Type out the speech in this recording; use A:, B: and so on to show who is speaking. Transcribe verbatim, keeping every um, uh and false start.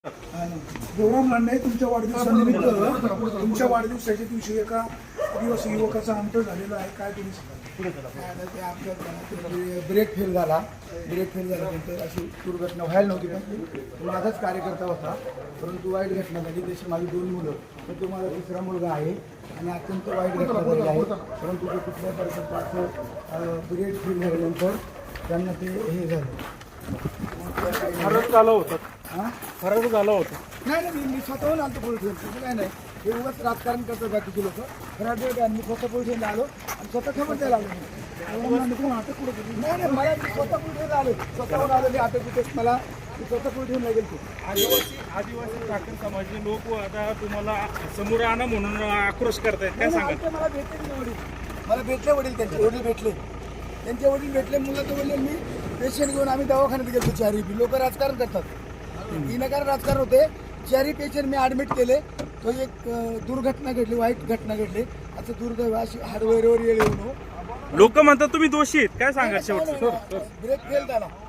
A: देवराम लांडे तुमच्या वाढदिवसानिमित्त तुमच्या वाढदिवसाच्या दिवशी एका दिवस युवकाचा अंत झालेला आहे, काय तुम्ही सांगाल?
B: ते आपल्या ब्रेक फेल झाला ब्रेक फेल झाल्यानंतर अशी दुर्घटना व्हायला नव्हती, पण माझाच कार्यकर्ता होता, परंतु वाईट घटना झाली. जशी माझी दोन मुलं, पण तो माझा तिसरा मुलगा आहे आणि अत्यंत वाईट घटना झाली आहे. परंतु ते कुठल्या परिस्थितीत ब्रेक फेल झाल्यानंतर त्यांना ते हे झालं,
A: फरक झाला होता.
B: हां
A: फरक झाला होता.
B: नाही नाही मी स्वतःहून आलो पोलीस स्टेशन, काय नाही, हे उगाच राजकारण करतात बाकीचे लोक. खराब मी स्वतः पोलीस स्टेशनला आलो आणि स्वतः खबर द्यायला आलो. अटक कुठं केली? नाही नाही मला मी स्वतः पोलीस स्टेशनला आलो, स्वतःहून आलो. मी अटक कुठे मला मी स्वतः पोलीस स्टेशनला गेलो.
C: आदिवासी आदिवासी ठाकर समाजाचे लोक आता तुम्हाला समोर आणा म्हणून आक्रोश करतायत, काय सांगा?
B: मला भेटले की वडील, मला भेटले वडील, त्यांचे वडील भेटले, त्यांचे वडील भेटले. मुलं तर वडील मी पेशंट घेऊन आम्ही दवाखान्यात गेलो. चारही लोक राजकारण करतात, विनाकारण राजकारण होते. चारही पेशंट मी ॲडमिट केले. तो एक दुर्घटना घडली, वाईट घटना घडली. असं दुर्दैव अशी हार्डवेअरवर येऊ.
C: लोक म्हणतात तुम्ही दोषी आहेत, काय सांगा शेवटी?
B: ब्रेक फेल झाला.